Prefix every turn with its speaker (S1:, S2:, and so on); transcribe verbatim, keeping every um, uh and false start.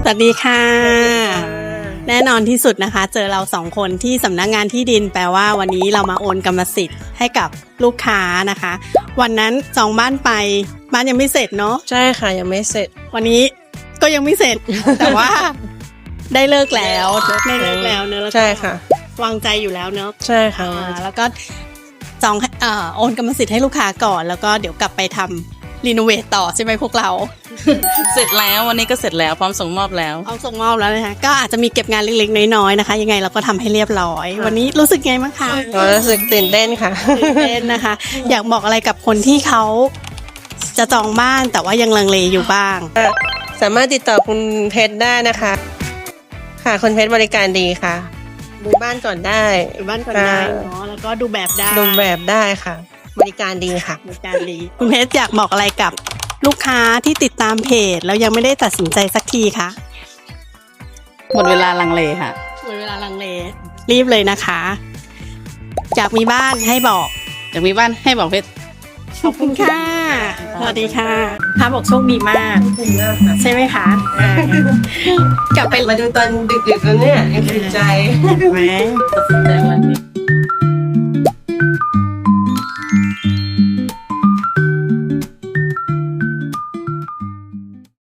S1: วัสดีค่ะ แน่นอนที่สุดนะคะ เจอเราสองคนที่สำนักงานที่ดินแปลว่าวันนี้เรามาโอนกรรมสิทธิ์ให้กับลูกค้านะคะ วันนั้นจองบ้านไปบ้านยังไม่เสร็จเนาะ
S2: ใช่ค่ะยังไม่เสร็จ
S1: วันนี้ก็ยังไม่เสร็จ แต่ว่าได้เลิกแล้วได้เลิกแล้วเนอะแล้วก็
S2: ใช่ค่ะ
S1: วางใจอยู่แล้วเนอะ
S2: ใช่ค่ะ
S1: อ่าแล้วก็จองเอ่อโอนกรรมสิทธิ์ให้ลูกค้าก่อน แล้วก็เดี๋ยวกลับไปทำรีโนเวทต่อใช่ไหมพวกเรา
S3: เสร็จแล้ววันนี้ก็เสร็จแล้วพร้อมส่งมอบแล้ว
S1: เอาส่งมอบแล้วนะคะก็อาจจะมีเก็บงานเล็กๆน้อยๆนะคะ ยังไงเราก็ทำให้เรียบร้อย วันนี้รู้สึกไงบ้างคะ
S2: รู้สึกตื่นเต้นค่ะ
S1: ตื่นเต้นนะคะ อยากบอกอะไรกับคนที่เขาจะจองบ้านแต่ว่ายังลังเลอยู่บ้าง
S2: สามารถติดต่อคุณเพชรได้นะคะ ค่ะคุณเพชรบริการดีค่ะ ดูบ้านก่อนได้
S1: อยู่บ้านก่อนได้เนาะแล้วก็ดูแบบได้
S2: ดูแบบได้ค่ะ บริการดีค่ะ
S1: บริการดีคุณเพชรอยากบอกอะไรกับลูกค้าที่ติดตามเพจแล้วยังไม่ได้ตัดสินใจสักทีคะ
S3: หมดเวลาลังเลค่ะ
S1: หมดเวลาลังเลรีบเลยนะคะอยากมีบ้านให้บอก
S3: อยากมีบ้านให้บอกเพชร
S1: ขอบคุณค่ะ สวัสดีค่ะพาบอกโชคดีมาก ใช่ไหมคะอ่ากลับไป
S2: มาดูตอนดึกๆแล้วเนี่ยยังติดใจ
S1: ไหม
S3: ตัดสินใจวันนี้